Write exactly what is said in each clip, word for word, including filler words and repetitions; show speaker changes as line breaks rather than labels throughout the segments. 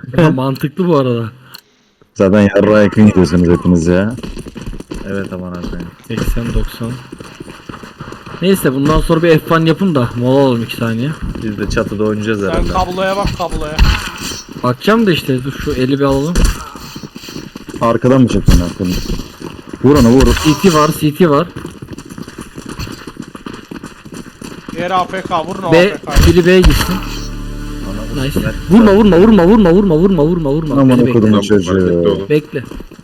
Mantıklı bu arada.
Zaten yarrağa yakın gidiyorsunuz hepiniz ya. Evet aman abi.
seksen doksan. Neyse bundan sonra bir F bir yapın da mola alalım iki saniye.
Biz de çatıda oynayacağız
Sen
herhalde.
kabloya bak kabloya.
Bakacağım da işte dur şu eli bir alalım.
Arkadan mı çekiyorsun arkadan? Vur onu vur.
C T var, C T var.
Diğer A F K vurun o
B,
A F K'yı.
biri B'ye gitsin. Nice. Vurma vurma vurma vurma vurma vurma vurma vurma.
Aman
Beni
okudum
bekle.
o çocuğu.
Bekle.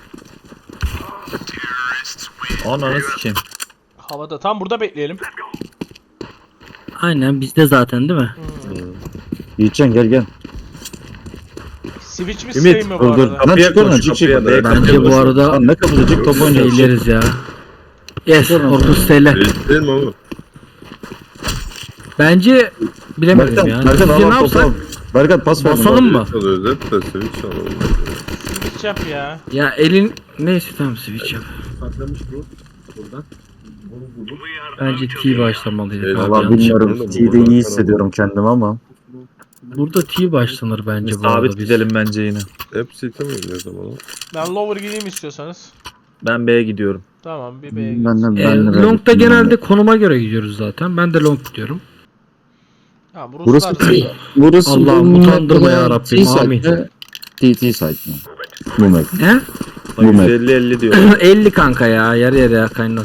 Ananı sikeyim.
Havada tam burada bekleyelim.
Aynen bizde zaten değil mi?
Yiğitcan gel gel.
Switch mi
Ümit,
stream mi bu
dur dur.
arada?
Lan çık oradan çık çık.
Kapıya da-
Bence bu arada
Lan ne kapıda çık top oynayacağız.
eğleriz ya. Yes, otuz T L.
Değil, değil mi oğlum?
Bence bilemedim
Berkan,
ya.
Berkan
Sizce
al
ne
al topu
yapsak?
al. Berkan pas ver.
Basalım mı?
Çalıyoruz hep de switch alalım.
Switch yap ya.
Ya elin neyse tamam switch yap. Bence T başlamalıydı.
Eyvallah,
abi,
Valla
yanlış
bilmiyorum.
yapmadım.
T'de iyi hissediyorum kendimi ama.
Burada T başlanır bence bu arada.
Sabit
biz.
gidelim bence yine.
Hep city mi oynuyoruz ama oğlum?
Ben lower gideyim istiyorsanız.
Ben B'ye gidiyorum.
Tamam bir B'ye git.
Ben de
Ee,
ben de
long'da genelde konuma göre gidiyoruz zaten. Ben de long gidiyorum.
Tamam
Burası
Ruslar.
burası
Allah'ım
bu
utandırma
map'te
ya Rabbim,
T-site
amin.
mi? T T site mi? Bu map.
He?
Bu map.
elli elli diyor.
elli kanka ya. Yarı yarıya kaynar.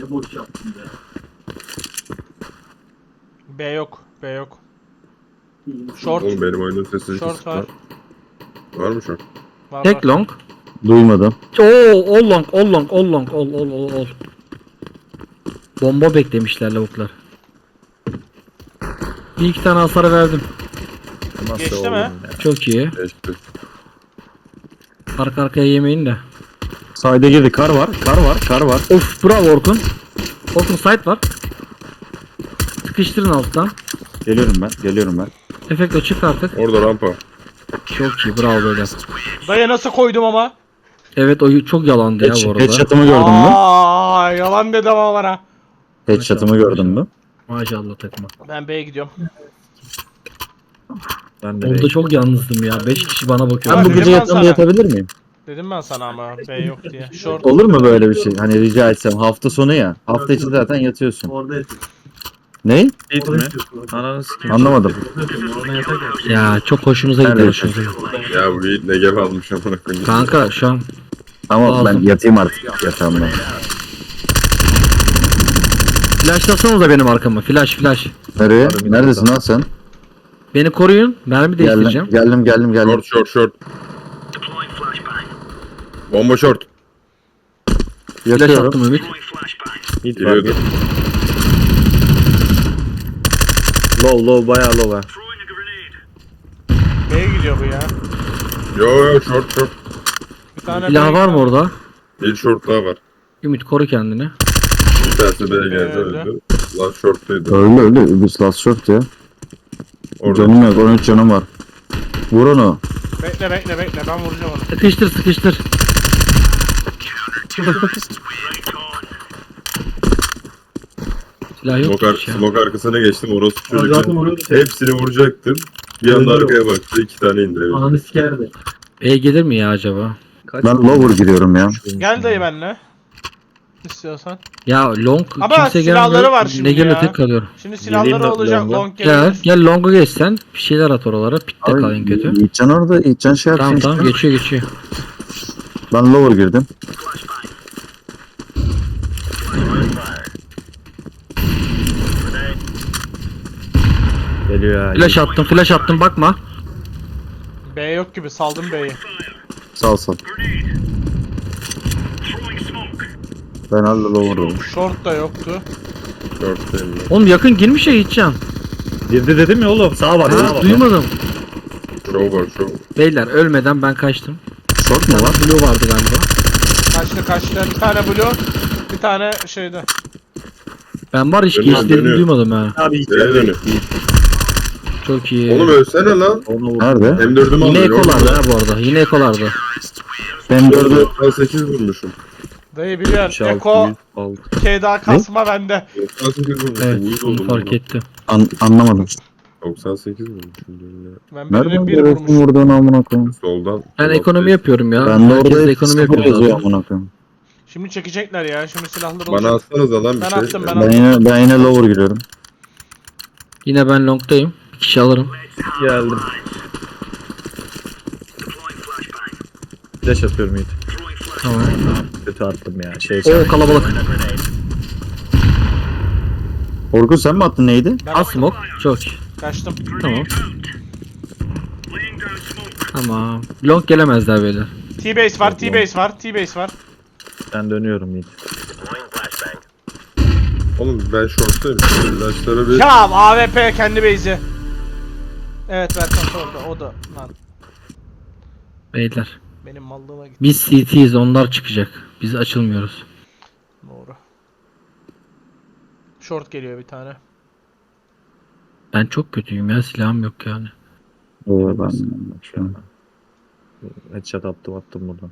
B yok. B yok. Short.
Oğlum benim oyunun sesi
Short var.
Var mı short?
Var, var.
Tek long.
Duymadım.
Oo, all long, all long, all long, all, all, all, all. Bomba beklemişler lavuklar. Bir iki tane hasar verdim.
Nasıl
Geçti
oğlum
mi?
ya?
Çok iyi.
Geçti.
Arka arkaya yemeyin de.
Side'e girdi. Kar var. Kar var. Kar var.
Of bravo Orkun. Orkun site var. Sıkıştırın alttan.
Geliyorum ben. Geliyorum ben.
Efekt açık artık.
Orada rampa.
Çok iyi bravo böyle.
Dayı nasıl koydum ama?
Evet o çok yalandı ya bu arada.
Headshot'ımı gördün mü?
Aa, yalan dedi ama bana.
Headshot'ımı gördün mü?
Maşallah takma.
Ben B'ye gidiyorum.
Ben de
Orada
B'ye-
çok yalnızdım ya. beş kişi bana bakıyor.
Ama
Ben bu
dedim
gece
ben
yatağımda
sana.
yatabilir miyim?
Dedim ben sana ama B yok diye. Short.
Olur mu böyle bir şey? Hani rica etsem hafta sonu ya. Hafta içi zaten yatıyorsun.
Orada
Ne?
Git mi?
Ananı sikeyim. Anlamadım.
Ya çok hoşunuza gidiyor
Evet.
şu.
Ya bu Yiğit ne gebe almış amına koyayım.
Kanka şu an
Ama ben
Lazım.
yatayım artık yatağımda.
flashlasanıza benim arkama. Flash flash.
Nereye? Neredesin lan sen?
Beni koruyun. Mermi değiştireceğim.
Geldim, geldim, geldim, geldim.
Short short short. Bomba short.
Flash
Yatıyorum.
attım Ümit.
Hit var.
Giriyordu.
Low, low, bayağı low ha.
B'ye gidiyor bu ya.
Yo yo short short.
Bir tane
Silah
B'ye
var mı
gidiyor.
orada?
Bir short daha var.
Ümit koru kendini.
Bir tanesi B'ye geldi
Öldü.
öldü. Lan short'taydı.
Öyle öyle. Biz last short ya.
Orada.
Canım yok. on üç canım var. Vur onu.
Bekle bekle bekle ben vuracağım onu.
Sıkıştır sıkıştır. Silah yok.
Smoke, ar
hiç ya.
smoke arkasına geçtim. Orası
Zaten
çocuklar.
oraya da
Hepsini vuracaktım. Bir anda arkaya baktı. iki tane indirebildim.
ananı sikerdi.
E gelir mi ya acaba?
Ben lower giriyorum ya.
Gel dayı benimle. İstiyorsan.
Ya long
Ama
kimse
silahları
gelmiyor.
var şimdi
Ne geliyor
ya.
tek kalıyor.
Şimdi silahları
Geleyim de
olacak
long'a.
long
Gel
gelir.
gel long'a geçsen bir şeyler at oralara. Pitte
Abi,
kalayım kötü.
Yiğitcan orada. Yiğitcan şey yapsın
Tamam
işte.
tamam geçiyor geçiyor.
Ben lower girdim. Geliyor ya.
Flash attım flash attım bakma.
B yok gibi saldım B'yi.
Sal sal. Ben hala lower'ım.
Short da yoktu.
Short'tayım ben.
Oğlum yakın girmiş ya Yiğitcan.
Girdi dedim ya oğlum. Sağa bak.
Ha, duymadım.
Show var show.
Beyler ölmeden ben kaçtım.
Short mu var?
Blue vardı galiba.
Kaçtı kaçtı. Bir tane blue. Bir tane şeyde.
Ben var hiç
Dönüyor,
geçtiğini
dönüyor.
duymadım ha.
Abi
B'ye dönüyor.
Çok iyi.
Oğlum ölsene lan.
Nerede?
M dördümü
Yine
alıyor.
ekolardı ha bu arada. Yine ekolardı.
Ben dördü.
doksan sekiz vurmuşum.
Dayı biliyorsun. Eko K daha kasma bende.
doksan sekiz vurmuşum.
Evet
Uyuz
onu
oldum
fark
buna.
ettim.
An anlamadım.
doksan sekiz mi? Şimdi
Ben birine
Nereden
bir
görüyorsun
vurmuşum.
vurduğunu amına koyayım?
soldan.
Ben
soldan
ekonomi
şey-
yapıyorum ya.
Ben de
Herkes
orada
de
ekonomi
ekonomi yapıyor
yazıyor
zaten.
amına koyayım.
Şimdi çekecekler ya. Şimdi silahları
Bana
olacak.
atsanıza lan bir
Ben
şey.
attım, ben
Ben yine ben yine lower giriyorum.
Yine ben long'dayım. Bir kişi alırım.
Geldim. Flash atıyorum Yiğit.
Tamam.
Kötü attım ya. Şey
Oo kalabalık.
Orkun sen mi attın neydi?
Ben
Al smoke. Çok iyi.
kaçtım.
Tamam. Tamam. Long gelemezler beyler.
T-base var, T-base var, T-base var.
Ben dönüyorum Yiğit.
Oğlum ben short'tayım. İlaçlara bir...
Ya A W P kendi base'i. Evet Berkan orada, o da lan.
Beyler.
Benim mallığıma gitti.
Biz C T'yiz, onlar çıkacak. Biz açılmıyoruz.
Doğru. Short geliyor bir tane.
Ben çok kötüyüm ya, silahım yok yani.
Oo ben şu an. Headshot attım attım buradan.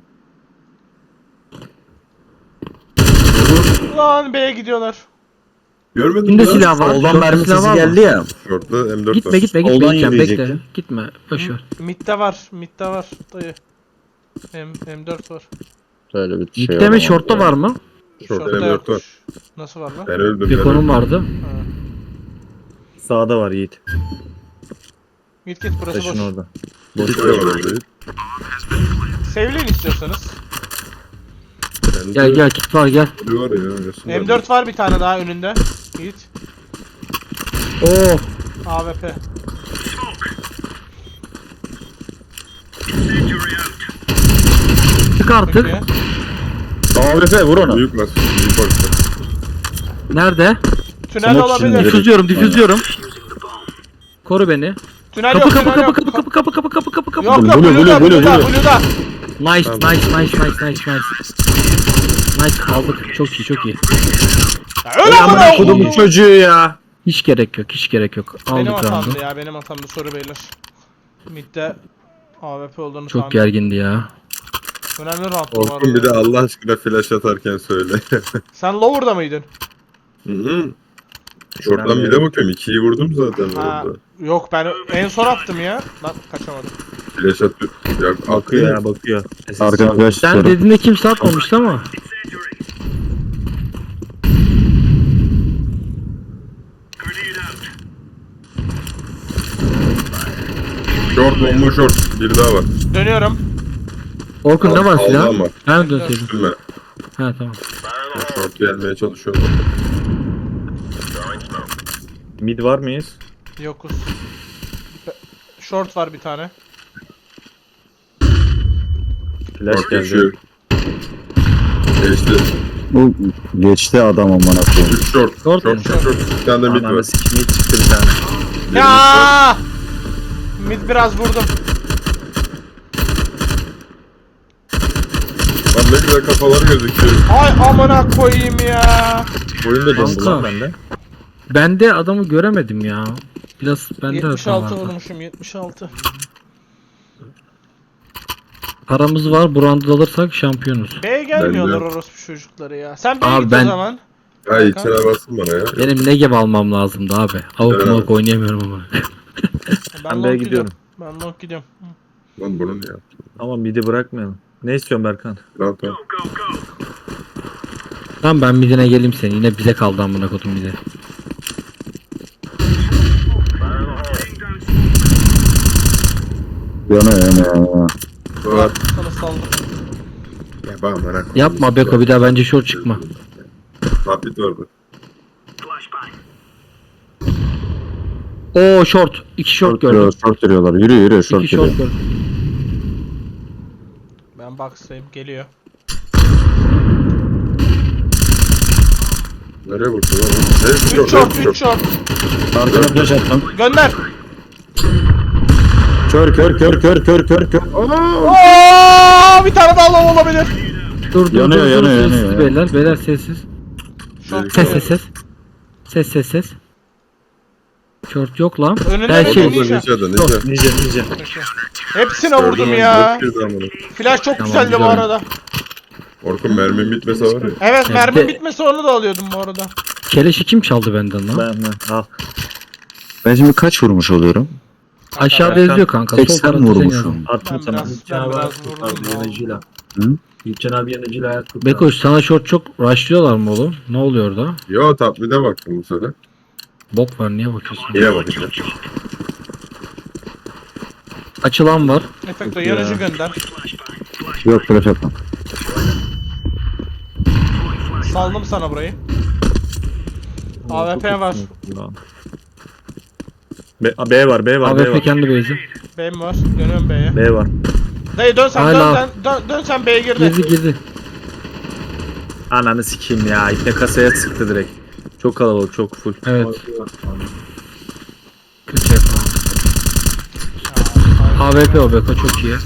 Lan B'ye gidiyorlar.
Görmedin
Kimde
mi? lan?
silah var?
Soldan
Short'ta
mermi
silah
sesi
var mı?
geldi ya.
Short'ta M dört
Gitme
var.
gitme gitme
Soldan
gideceğim, bekle.
yürüyecektim.
Gitme. Boşver.
Mid'de var, mid'de var dayı. M M4 var.
Böyle bir şey
Mid'de mi,
olamaz
short'ta
ya.
var mı?
Short'ta
Short'ta
M dört var.
yokmuş. Nasıl var lan?
Ben öldüm.
Bir
ben
konum
öldüm.
vardı.
Ha.
Sağda var Yiğit.
Git git burası
Taşın
boş.
orada.
Hiç de var orada.
Sevleyin istiyorsanız.
Bende
Gel gel, kit var gel.
biri var ya. Resim
M dört var bir tane daha önünde. Git.
Oo.
A W P.
Çık artık.
Peki.
A W P vur onu.
Büyük nasıl? Büyük orta.
Nerede?
Tünel
Smoke
olabilir.
içinde.
Difüzüyorum, difüzüyorum. Koru beni.
Tünel
Kapı
yok,
kapı
tünel
kapı
yok.
kapı kapı kapı kapı kapı kapı kapı.
Yok yok,
Blue, blue,
Blue'da,
blue,
Blue'da,
blue.
Blue'da.
Nice
Tamam.
nice nice nice nice nice. Nice aldık. Çok iyi çok iyi.
Ya öyle
Amına
amına
kodumun
koydum.
çocuğu ya.
Hiç gerek yok, hiç gerek yok.
Benim
Aldık
hatamdı
roundu.
ya, benim hatamdı, soru beyler. Mid'de A W P olduğunu
Çok
tahmin.
gergindi ya.
Önemli round bu
Orkun bir de
arada.
Allah aşkına flash atarken söyle.
Sen lower'da mıydın?
Hı hı. Short'tan bir de bakıyorum. ikiyi vurdum zaten
Ha,
orada.
yok ben en son attım ya. Lan kaçamadım.
Flash atıyor. Ya,
Bakıyor
atıyor.
ya bakıyor.
Arkana flash
Sen
tutuyorum.
dediğinde kimse atmamıştı ama.
Short bomba short. Bir daha var.
Dönüyorum.
Orkun ne var
Aldı
silah?
ama.
Ben dönseydim.
Üzülme.
Ha tamam.
Short gelmeye çalışıyorum.
Mid var mıyız?
Yokuz. Short var bir tane.
Flash
Short
geldi.
geçiyor. Geçti.
Bu geçti adam amına koyayım.
üç short.
Short
Short
mu?
short short. Bir tane de mid var.
Ananı sikim mid çıktı bir tane.
Ya! Mid biraz vurdum.
Lan ne güzel kafalar gözüküyor.
Ay amına koyayım ya.
Oyun da dondu
Kanka.
lan bende.
Ben de adamı göremedim ya. Biraz bende hata
yetmiş altı
vardı.
vurmuşum, yetmiş altı.
Paramız var, bu roundu alırsak şampiyonuz.
B'ye gelmiyorlar
Ben de-
orospu çocukları ya. Sen B'ye
Abi
git
ben-
o zaman.
Ay içine basın bana ya.
Benim ne gibi almam lazımdı abi. Avuk
Evet.
mavuk oynayamıyorum ama.
Ben
long
B'ye
gidiyorum.
gidiyorum.
Ben long gidiyorum.
Lan bunun ya.
Ama mid'i bırakmayalım. Ne istiyorsun Berkan?
Tamam tamam.
Tamam ben midine geleyim seni. Yine bize kaldı amına kodum bize.
Yana yana yana.
Var.
Sana saldım.
Ya bak bana.
Yapma Beko, bir daha bence short çıkma.
Tapit vardı.
Oo short. İki short gördüm.
Short, short giriyorlar. Yürü yürü short
İki
giriyor.
short gördüm.
Ben box'tayım, geliyor.
Nereye vurdu lan? Ne?
üç short, üç short.
Arkana flash attım.
Gönder.
Kör kör kör kör kör kör kör.
Oo, bir tane daha long olabilir.
Dur dur
Yanıyor,
dur, dur.
yanıyor,
Sessiz
yanıyor.
beyler. Beyler sessiz.
Short
Ses
geliyor.
ses ses. Ses ses ses. Short yok lan.
Önünde
Ben
mi?
şey.
Ninja.
Ninja'da ninja.
Ninja ninja.
Peki. Hepsine vurdum ya.
Dört kez amına.
Flash çok
Tamam,
güzeldi bu
güzel.
arada.
Orkun mermim bitmese var ya.
Evet,
Evet,
mermi
de-
bitmesi onu da alıyordum bu arada.
Keleşi kim çaldı benden lan?
Ben ben al.
Ben şimdi kaç vurmuş oluyorum?
Aşağıda yazıyor kanka. Sol
seksen
tarafta senin
vurmuşum.
yazıyor.
Attım
Ben
sana.
biraz-
Gülçen
ben
abi
biraz
ayak
vurdum
kurtardı
ya.
yanıcıyla.
Hı?
Gülçen abi yanıcıyla ayak kurtardı.
Bekoş sana short çok rushlıyorlar mı oğlum? Ne oluyor orada?
Yo top mid'e baktım bu sefer.
Bok var niye bakıyorsun?
Yine bakacağım.
Açılan var.
Efekto yanıcı gönder.
Yok flash atmam.
Saldım sana burayı. A W P var.
B, B var, B var, B
A W P
var.
kendi base'i.
B mi var? Dönüyorum B'ye.
B var.
Dayı dön sen
Hala.
dön, dön, dön, dön sen B'ye girdi.
Girdi girdi.
Ananı sikeyim ya. İpne kasaya sıktı direkt. Çok kalabalık, çok full.
Evet. Kötü yapalım. A W P o Beko çok iyi.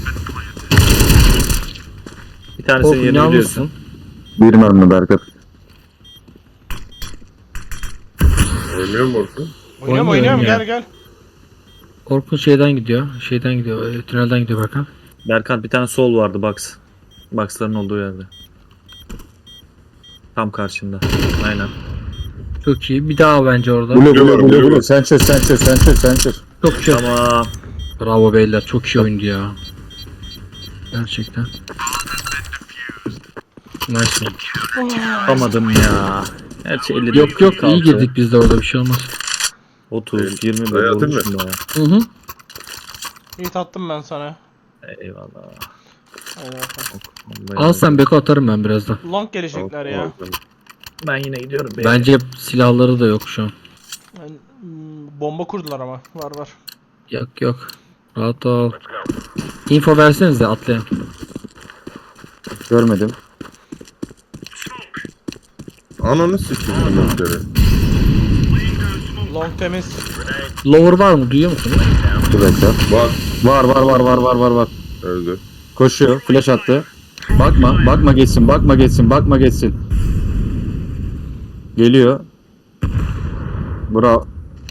Bir tanesini
Korkun
yeni biliyorsun.
yalnızsın.
Bir mermi Berkat.
Oynuyor mu Orkun?
Oynuyorum
Oynuyorum
oynuyorum
ya.
gel gel.
Korkun şeyden gidiyor. Şeyden gidiyor. e, Tünelden gidiyor Berkan.
Berkant bir tane sol vardı box. Box'ların olduğu yerde. Tam karşında. Aynen.
Çok iyi. Bir daha bence orada.
Bulu
Blue
bulu
var,
bulu
blue
bulu.
var.
Sen çöz sen çöz sen çöz sen çöz.
Çok çok.
Tamam.
Bravo beyler. Çok iyi oyundu ya. Gerçekten. Nice one.
Yapamadım ya. Gerçi elli
Yok yok iyi girdik biz de orada bir şey olmaz.
otuz, yirmi
Dayı
böyle
atayım
olmuş
mı?
mu?
Hı hı.
İyi tattım ben sana.
Eyvallah.
Hadi bakalım.
Vallahi
Al sen Beko atarım ben birazdan.
Long gelecekler ya.
Ben yine gidiyorum. be.
Bence silahları da yok şu an.
Yani, hmm, bomba kurdular ama. Var var.
Yok yok. Rahat ol. Info versenize atlayın.
Görmedim.
Ananı sikeyim bunları.
Long temiz.
Lower var mı? Duyuyor musun?
Bir dakika.
Bak
Var var var var var var var.
öldü.
Koşuyor. Flash attı. Bakma. Bakma geçsin. Bakma geçsin. Bakma geçsin. Geliyor. Bravo.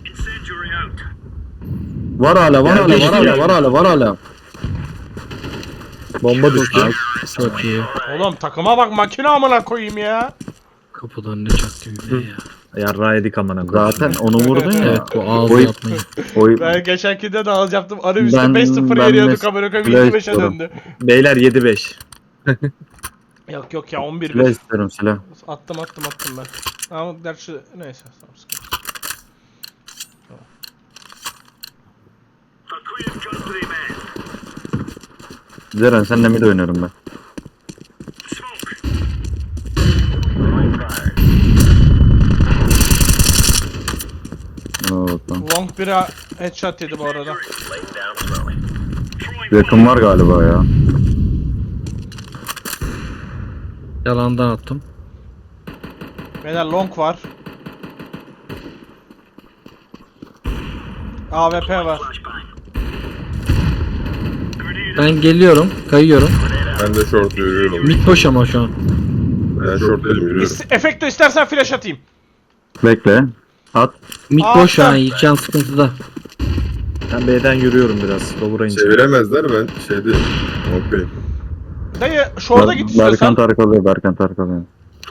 Var hala var hala var hala var hala var hala.
Bomba düştü.
Çok iyi.
Oğlum takıma bak makine amına koyayım ya.
Kapıdan ne çaktı bir ya.
Yarrağı yedik amına koyayım.
Zaten onu vurdun ya.
Evet bu ağzı
Oy.
yapmayın.
Oy.
Ben geçenkinde de alacaktım. Arı üstü
Ben-
beş sıfır
ben
yeniyorduk
mes-
amına koyayım
Flash
yedi beşe
diyorum.
döndü.
Beyler yedi beş.
Yok yok ya on bir
Silah
bir.
istiyorum silah.
Attım attım attım ben. Ama gerçi neyse tamam sıkıntı.
Zeren senle mid oynuyorum ben. Evet, tamam.
Long biri headshot yedi bu arada.
Yakın var galiba ya.
Yalandan attım.
Beyler long var. A W P var.
Ben geliyorum. Kayıyorum.
Ben de short yürüyorum.
Mid boş ama şu an.
Ben short dedim yürüyorum.
İst- Efekto istersen flash atayım.
Bekle. At.
Mid
Aa,
boş şu an.
attım.
Yiğitcan sıkıntıda.
Ben B'den yürüyorum biraz. Lower'a ineceğim.
Çeviremezler ben şeyde. Okey.
Dayı şurada git
Berkan
istiyorsan.
Tarık alıyor. Berkan Tarık alıyor.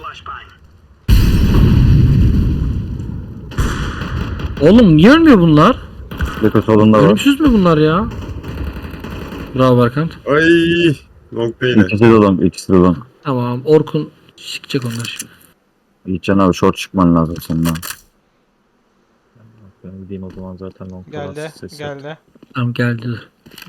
Oğlum niye ölmüyor bunlar?
Beko solunda var.
Ölümsüz mü bunlar ya? Bravo Berkant.
Ay. Long da yine.
İkisi de olan. İkisi de olan.
Tamam Orkun sikecek onlar şimdi.
Yiğitcan abi short çıkman lazım senin abi.
Ben gideyim o zaman zaten long
Geldi
kalarsız sesi.
geldi.
Tamam geldiler.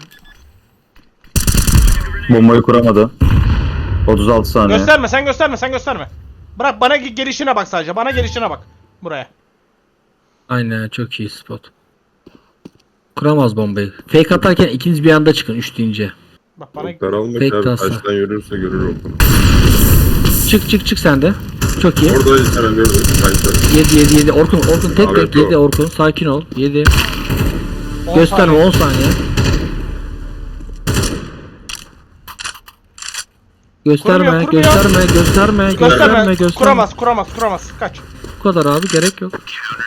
Bombayı kuramadı. otuz altı saniye.
Gösterme sen gösterme sen gösterme. Bırak bana ge- gelişine bak sadece. Bana gelişine bak. Buraya.
Aynen çok iyi spot. Kuramaz bombayı. Fake atarken ikiniz bir anda çıkın üç deyince.
Bak bana
Long daralmak
Pek
abi.
tasa.
Taştan yürürse görür Orkun.
Çık çık çık sen de. Çok iyi.
Orada ilk kere gördüm. Kaçtı.
yedi yedi yedi. Orkun Orkun tek
Abi,
tek
yok.
yedi Orkun. Sakin ol. yedi.
on
Gösterme
saniye.
on saniye. Gösterme,
Kurmuyor, kurmuyor.
gösterme, gösterme, gösterme,
Gösterme.
gösterme.
Kuramaz kuramaz kuramaz. Kaç.
Bu kadar abi gerek yok.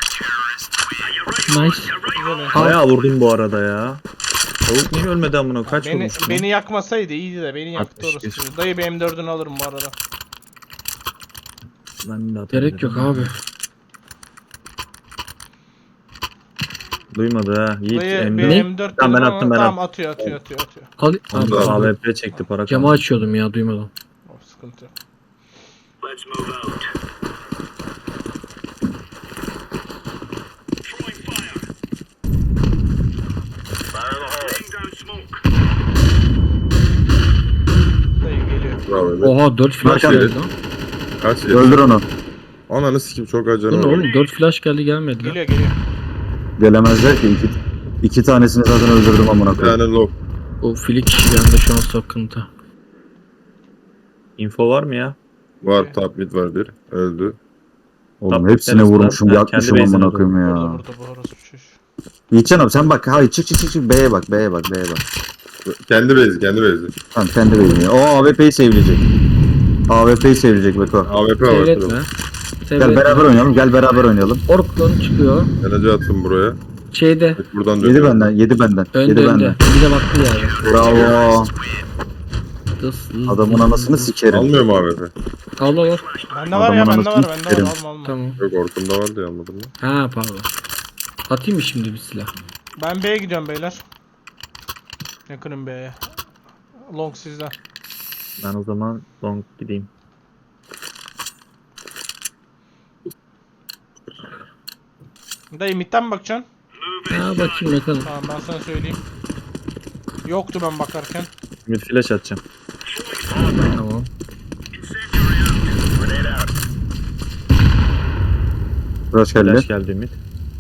Nice.
Güzel.
Bayağı vurdum bu arada ya. Tavuk niye ölmedi amına? Kaç
Beni,
vurmuş?
beni yakmasaydı iyiydi de beni yaktı
altmış bir.
orası. Dayı bir M dördünü alırım bu arada.
Ben de
Gerek yok abi.
Duymadı ha. Yiğit
Dayı
M
bir
dört.
M dört
Tamam, ben
dedim
attım,
ama
ben
tamam
attım.
atıyor atıyor atıyor atıyor.
Al,
Onu da
al,
aldım.
A W P çekti para
camı
kaldı.
açıyordum ya duymadım.
Oh, sıkıntı yok. Dayı geliyor.
Bravo Emir.
Oha dört flash
Berkan
geldi lan.
Kaç yedi?
Öldür onu.
Ananı sikim çok acı
Bu ne
var.
oğlum dört flash geldi gelmedi lan.
Geliyor geliyor.
Gelemezler ki. İki, iki tanesini zaten öldürdüm amına
Bir
koyayım.
tane low.
O flik bende şu an sıkıntı.
Info var mı ya?
Var top mid var bir. Öldü.
Oğlum
Top
hepsine
bitmez lan.
vurmuşum,
Ha,
yakmışım
kendi
amına
base'ine
koyayım
Burada
ya.
burada bu orası çüş.
Yiğitcan abi sen bak. Hayır çık çık çık çık. B'ye bak, B'ye bak, B'ye bak.
Kendi base kendi base.
Tamam kendi B'ye. O A W P'yi sevilecek. A W P'yi sevilecek Beko.
A W P var.
Seyretme.
şurada.
Gel
Seyretme.
beraber oynayalım, gel beraber oynayalım.
Orkun çıkıyor.
Enerji attım buraya.
Şeyde.
Buradan
Yedi
dönüyorum.
benden, yedi benden.
Önde
Yedi
önde.
benden.
Bir de baktı yani.
Bravo.
Dız, dız,
Adamın
dız,
anasını
dız.
sikerim.
Almıyor mu A W P?
Al al al.
Bende var ya
Adamın
bende var
anasını
bende
sikerim.
var alma alma.
Tamam.
Yok Orkun'da var diye anladım ben.
Ha pardon. Atayım mı şimdi bir silah?
Ben B'ye gidiyorum beyler. Yakınım B'ye. Long sizden.
Ben o zaman long gideyim.
Dayı midden mi bakacaksın?
Ha bakayım bakalım.
Tamam ben sana söyleyeyim. Yoktu ben bakarken.
Mid flash atacağım.
Tamam.
Flash geldi.
Flash geldi mid.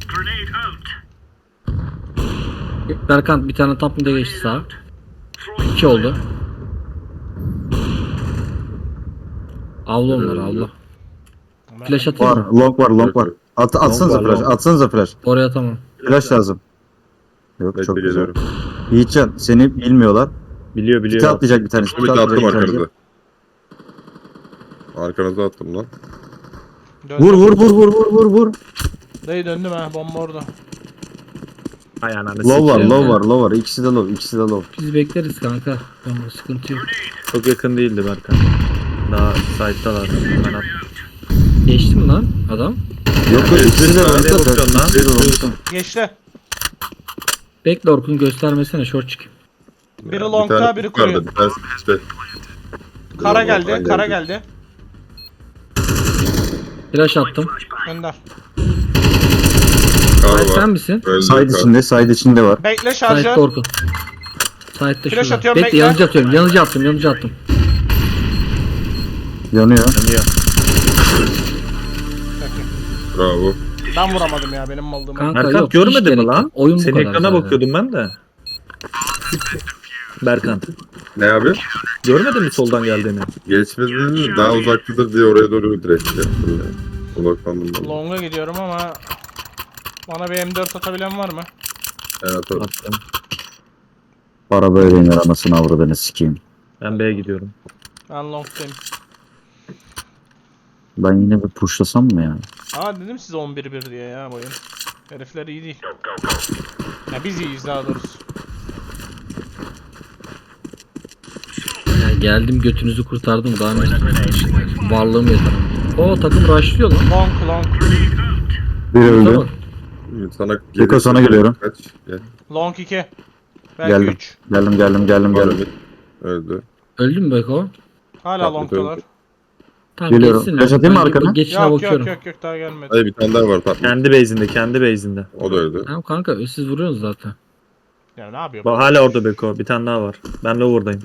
Berkan bir tane top mid'e geçti sağa. İki oldu. Avlu onlar avlu. Flash atayım
Var,
mı?
long var, long var. At, atsanıza
var,
flash,
long.
atsanıza flash.
Oraya tamam.
Flash lazım. Yok
Bekle
çok güzel.
geliyorum.
Yiğitcan seni bilmiyorlar.
Biliyor
Pite
biliyor.
atlayacak bir tanesi.
Bir
Pite
de attım
atlayacak bir tanesi.
arkanıza. Arkanıza attım lan.
Döndüm.
Vur vur vur vur vur vur vur.
Dayı döndüm ha bomba orada.
Ay ananı
Low var,
sikeyim.
low var, low var. İkisi de low, ikisi de low.
Biz bekleriz kanka. Tamam sıkıntı yok.
Çok yakın değildi Berkan. Daha side'dalar. Ben at.
Geçti mi lan adam?
Yok yok ikisi de
Nereye
long'da.
bakıyorsun lan?
İkisi de long'da.
Geçti.
Bekle Orkun göstermesene short çıkayım.
Biri
Ya, bir
longta,
tane
biri
yukarıda,
kuruyor.
Bir tanesi işte.
Kara
Biri
geldi,
long'dan
kara geldi.
Flash attım.
Önder.
Kar
Hayır, sen
var.
misin?
Öldü.
Side
kar.
içinde, side içinde var.
Bekle
Side'de
şarjör.
Orkun. Side'de
Flash
şurada.
atıyorum,
Bekle
bekle.
yanıcı atıyorum. Yanıcı attım yanıcı attım.
Yanıyor.
Yanıyor.
Peki.
Bravo.
Ben vuramadım ya benim maldığımı.
Kanka
Berkan
yok, hiç
görmedin mi
gerek
lan?
yok. Oyun bu
Senin
kadar
ekrana
zaten.
bakıyordum ben de. Berkan.
Ne abi?
Görmedin mi soldan geldiğini?
Geçmedi daha uzaktadır diye oraya doğru direkt yaptım ya. Odaklandım ben.
Long'a gidiyorum ama bana bir M dört atabilen var mı?
Evet abi.
Attım.
Para böyle iner anasını avradını sikeyim.
Ben B'ye gidiyorum.
Ben long'tayım.
Ben yine bir pushlasam mı ya?
Aa dedim size on bir bir diye ya bu oyun. Herifler iyi değil. Ya biz iyiyiz daha doğrusu.
Ya geldim götünüzü kurtardım daha ne istiyorsun? Varlığım yeter. O takım rushlıyor lan.
Long long.
Biri öldü.
Tamam.
Sana
Beko, sana geliyorum.
Kaç? Gel.
Long iki. Belki
Geldim.
üç.
Geldim geldim geldim geldim.
Öldü. Öldü.
Öldün mü Beko?
Hala
Tatlı
long'talar.
öldü.
Tamam
Geliyorum.
geçsin.
Flash
lan.
atayım mı
Ben
arkana?
Geçişine
Yok
bakıyorum.
yok yok yok daha gelmedi.
Hayır bir tane daha var tatlı.
Kendi base'inde, kendi base'inde.
O da öldü.
Tamam kanka siz vuruyorsunuz zaten.
Ya ne yapıyor?
Bak hala orada Beko. Bir tane daha var. Ben lower'dayım.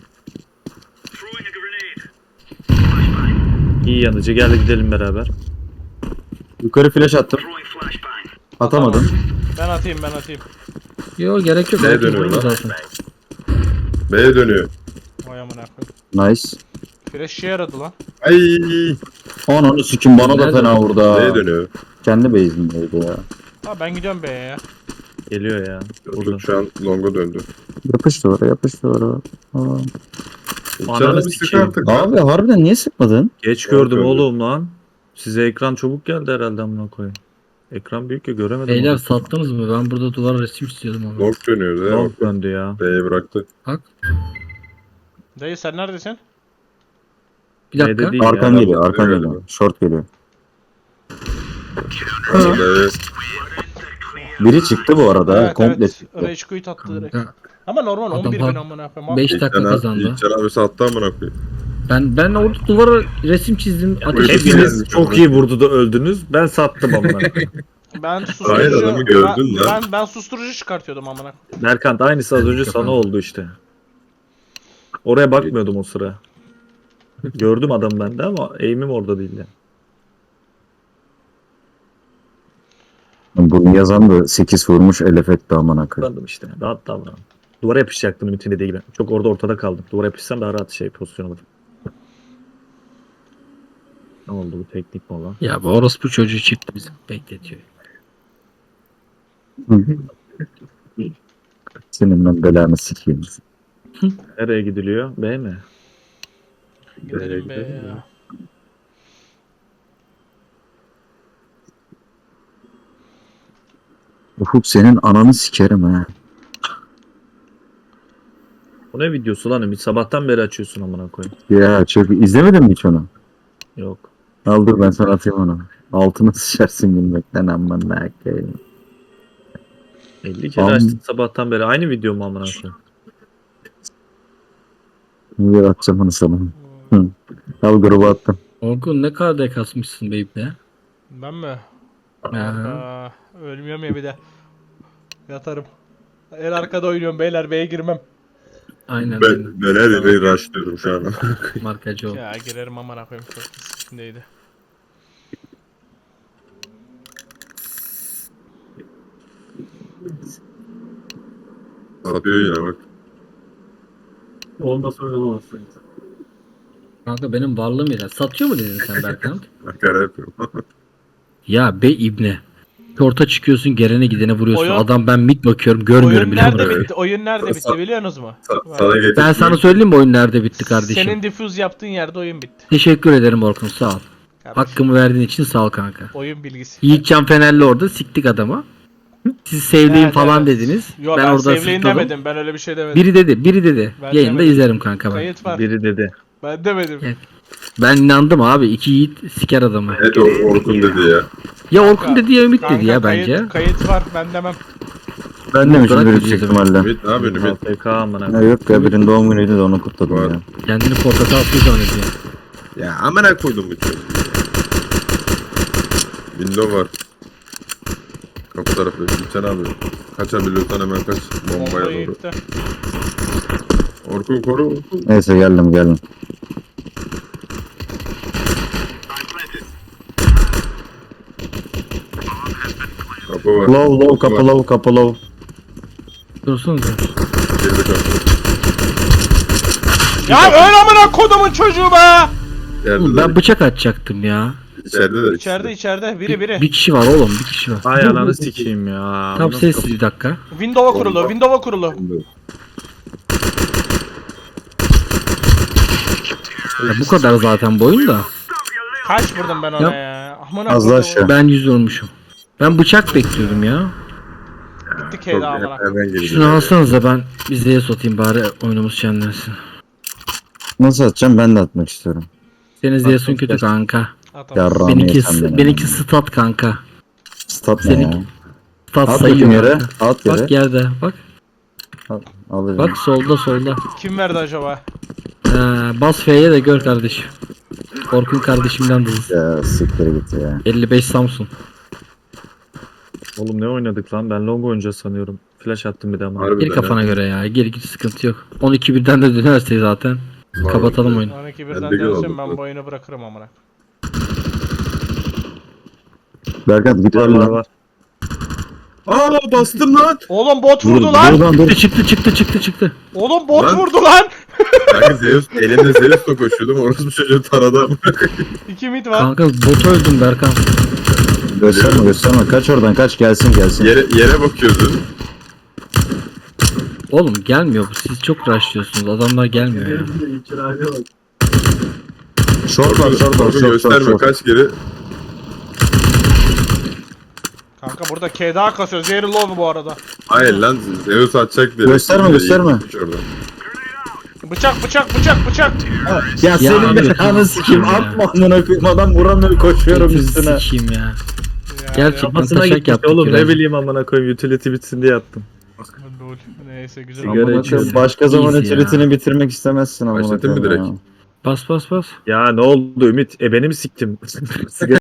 İyi yanıcı. Gel gidelim beraber.
Yukarı flash attım. Atamadım.
Ben atayım ben atayım.
Yo gerek yok.
Neye
Herkes
dönüyor
vuruyor
lan?
zaten.
B'ye dönüyor.
Vay amına koyayım.
Nice.
Flash işe yaradı lan.
Ay.
Ananı sikim bana da
Nerede?
fena vurdu ha.
B'ye dönüyor.
Kendi base'indeydi ya.
Ha ben gidiyorum B'ye ya.
Geliyor ya. Burada.
Çocuk şu an long'a döndü.
Yapıştı oraya yapıştı oraya. Aa.
Canı bir sık
sikeyim.
artık.
Abi harbiden niye sıkmadın?
Geç
Doğru
gördüm
söylüyorsun.
oğlum lan. Size ekran çabuk geldi herhalde amına koyayım. Ekran büyük ya göremedim.
Beyler
onu.
sattınız mı? Ben burada duvar resim istiyordum ama.
Long dönüyor. Değil mi?
Long döndü ya.
B'ye bıraktı.
Bak.
Dayı sen neredesin?
Bir dakika.
B'de değil
Arkan
ya.
geliyor arkan
Geliyor.
geliyor. Short geliyor.
B'ye
Biri çıktı bu arada.
Evet
komple
evet.
çıktı.
Rage quit attı direkt.
Kanka,
Ama normal
Adam
on bir bin
bak-
amına koyayım.
beş
Abi,
dakika
İlkcan abi,
kazandı.
İlkcan abi sattı amına koyayım.
Ben ben orada duvara resim çizdim. Ateş
Hepiniz-
ettim.
Hepiniz çok iyi vurdu da öldünüz. Ben sattım amına.
Ben susturucu...
Hayır, adamı gördün
ben,
lan.
ben, ben susturucu çıkartıyordum amına.
Berkant aynısı az önce sana oldu işte. Oraya bakmıyordum o sıra. Gördüm adam bende ama aim'im orada değil yani.
Bunu yazan da sekiz vurmuş elef etti amına koyayım.
Sandım işte. Rahat davran. Duvara yapışacaktım Ümit'in dediği gibi. Çok orada ortada kaldım. Duvara yapışsam daha rahat şey pozisyon alırım. Ne oldu bu teknik mi olan?
Ya bu orospu çocuğu çıktı bizim bekletiyor.
Senin ben belanı sikeyim.
Nereye gidiliyor? B mi?
Gidelim be ya.
Ufuk senin ananı sikerim ha.
Bu ne videosu lan Ümit? Sabahtan beri açıyorsun amına koyayım.
Ya çok izlemedin mi hiç onu?
Yok.
Al dur ben sana atayım onu. Altına sıçarsın gülmekten amına koyayım.
elli kere
Am-
açtın sabahtan beri. Aynı video mu amına koyayım?
Niye atacağım onu sana? Hı. Al gruba attım.
Orkun ne kadar da kasmışsın be ibne.
Ben mi?
Ha.
Aa, ölmüyorum ya bir de. Yatarım. En arkada oynuyorum beyler, B'ye girmem.
Aynen.
Ben, ben her yere rushlıyorum şu an.
Markacı ol.
Ya girerim amına koyayım, çok riskindeydi.
Satıyor yine bak.
Ondan sonra olamazsın.
Kanka benim varlığım yeter. Satıyor mu dedin sen Berkant?
Makara yapıyorum.
Ya be ibne. Orta çıkıyorsun, gelene gidene vuruyorsun.
Oyun-
Adam ben mid bakıyorum, görmüyorum
Oyun
bile.
nerede
bunu.
bitti? Oyun nerede bitti biliyorsunuz mu?
Sa- sana getirdim.
Ben sana söyleyeyim mi oyun nerede bitti kardeşim?
Senin diffuse yaptığın yerde oyun bitti.
Teşekkür ederim Orkun, sağ ol.
Kardeşim,
Hakkımı verdiğin için sağ ol kanka.
oyun bilgisi.
Yiğitcan Fenerli orada siktik adamı. Siz sevdiğim
Evet,
falan
evet.
dediniz.
Yo,
ben,
ben,
orada
sevleyin
sıkladım.
demedim. Ben öyle bir şey demedim.
Biri dedi, biri dedi.
Ben
Yayında
demedim.
izlerim kanka ben.
Kayıt var.
Biri dedi.
Ben demedim.
Evet. Ben inandım abi. İki yiğit siker adamı.
Evet o Orkun dedi ya.
Ya Orkun dedi ya Ümit
Kanka,
dedi ya
kayıt,
bence.
Kayıt var, ben demem.
Ben demişim
Bırak
büyük
bizi
ihtimalle.
Ümit ne yapıyorsun Ümit?
A F K amına
Ya
koyayım.
yok ya birinin doğum günüydü de onu kutladım
Var.
ya.
Kendini portakal suyu zannediyor.
Ya amına koydum bu çocuğu. Window var. Kapı tarafı. İlkcan abi. Kaçabiliyorsan hemen kaç. Bombaya
Bombayı
doğru.
yıktı.
Orkun koru Orkun.
Neyse geldim geldim.
Kapı var.
Low low kapı low kapı low.
Dursunuz.
Geride kapı.
Ya öyle amına kodumun çocuğu be!
Yerde
Oğlum
de.
ben bıçak atacaktım ya.
İçeride de.
İçeride içeride biri biri.
Bir kişi var oğlum, bir kişi var.
Ay ananı sikeyim ya.
Tam
Bu nasıl
sessiz bir dakika.
Windows'a kurulu, Windows'a kurulu.
Ya bu kadar zaten boyun da.
Kaç vurdum ben ona
Yap.
ya? Amına
Az
kodumun.
aşağı.
Ben yüz vurmuşum. Ben bıçak bekliyordum ya.
Bitti
Çok
K'da amına.
hemen geliyor.
Şunu alsanıza, ben bizdeye satayım bari oyunumuz şenlensin.
Nasıl atacağım ben de atmak istiyorum.
Senin Zeus'un kötü kanka.
Atamaz.
Yarrağımı
Benimki,
yesem benim.
benimki stat kanka.
Stat ne
Seninki-
ya?
Stat
At
sayıyor.
bakayım yere.
kanka.
At yere.
Bak yerde bak.
Alırım.
Bak solda solda.
Kim verdi acaba?
Ee, bas F'ye de gör kardeşim. Orkun kardeşimden dız.
Ya siktir git ya.
elli beş Samsun.
Oğlum ne oynadık lan? Ben long oynayacağız sanıyorum. Flash attım bir de ama.
Harbiden
Gir kafana
ya.
göre ya. Gir git, sıkıntı yok. on iki birden de dönerse zaten.
Var.
Kapatalım oyunu.
on iki
Ben
birden
de gol
dönsün,
oldum.
ben bu oyunu bırakırım amına.
Berkant git
Var
öyle
var
lan.
var.
Aa bastım lan.
Oğlum bot
Dur,
vurdu
dur
lan!
lan dur.
Çıktı çıktı çıktı çıktı çıktı.
Oğlum bot
Lan.
vurdu lan!
Kanka Zeus elinde Zeus'la koşuyordum. Orası bir çocuğu taradı ama.
İki mid var.
Kanka bot öldüm Berkan.
Gösterme gösterme. Kaç oradan kaç gelsin gelsin.
Yere, yere bakıyordun.
Oğlum gelmiyor bu. Siz çok rushlıyorsunuz. Adamlar gelmiyor ya.
Short var short var
Orkun
short short
gösterme
short.
kaç kere.
Kanka burada K daha kasıyor. Zehri low bu arada.
Hayır lan Zeus atacak diye.
Gösterme, gösterme.
Oradan.
Bıçak bıçak bıçak bıçak.
Ya senin
abi,
belanı sikeyim
ya.
atma amına koyayım adam vuramıyor koşuyorum
Götünü
üstüne.
sikeyim ya.
Ya
Gerçekten
Kafasına
taşak
gitmiş
yaptık
oğlum, ne
birazcık.
bileyim amına koyayım, utility bitsin diye attım.
Lol. Neyse güzel.
Sigara
Amına
içiyorum.
koyayım, başka zaman
Easy ya.
utility'ni bitirmek istemezsin amına
Başlatayım mı
koyayım ya.
direkt?
Bas bas bas.
Ya ne oldu Ümit? E beni mi siktim? Sigara